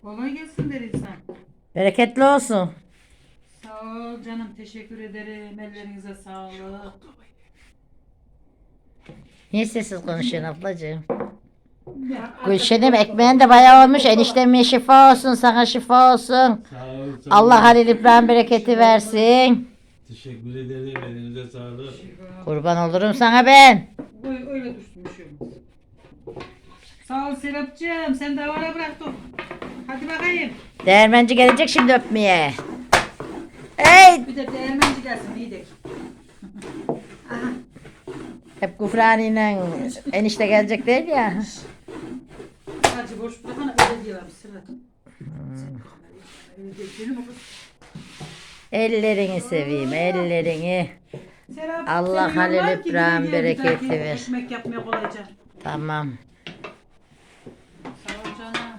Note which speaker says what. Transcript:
Speaker 1: Kolay gelsin der insan.
Speaker 2: Bereketli olsun.
Speaker 1: Sağ ol canım, teşekkür ederim. Ellerinize sağlık.
Speaker 2: Niye sessiz konuşuyorsun ablacığım?
Speaker 1: Ya,
Speaker 2: Gülşen'im ekmeğin de bayağı olmuş. Enişteme şifa olsun, sana şifa olsun.
Speaker 3: Sağ ol, sağ ol.
Speaker 2: Allah Halil İbrahim bereketi versin.
Speaker 3: Teşekkür ederim. Elinize sağlık.
Speaker 2: Kurban olurum sana ben.
Speaker 1: öyle dursun bir şey olmaz. Sağ ol Serapcığım, sen de havara bıraktın. Hadi bakayım.
Speaker 2: Değirmenci gelecek şimdi öpmeye. Hey!
Speaker 1: Bir de değirmenci gelsin, iyi de.
Speaker 2: Hep Gufrani'yle enişte gelecek değil ya.
Speaker 1: Hacı boş bırakana öyle diyorlar bir sıra. Öyle değil mi kız?
Speaker 2: Ellerini seveyim, ellerini.
Speaker 1: Serap,
Speaker 2: Allah
Speaker 1: seni
Speaker 2: Halil
Speaker 1: yollar ki
Speaker 2: İbrahim
Speaker 1: gidiyor bir
Speaker 2: bereketi
Speaker 1: dahaki
Speaker 2: ver.
Speaker 1: Ekmek yapmaya kolayca.
Speaker 2: Tamam.
Speaker 1: Sağ ol canım.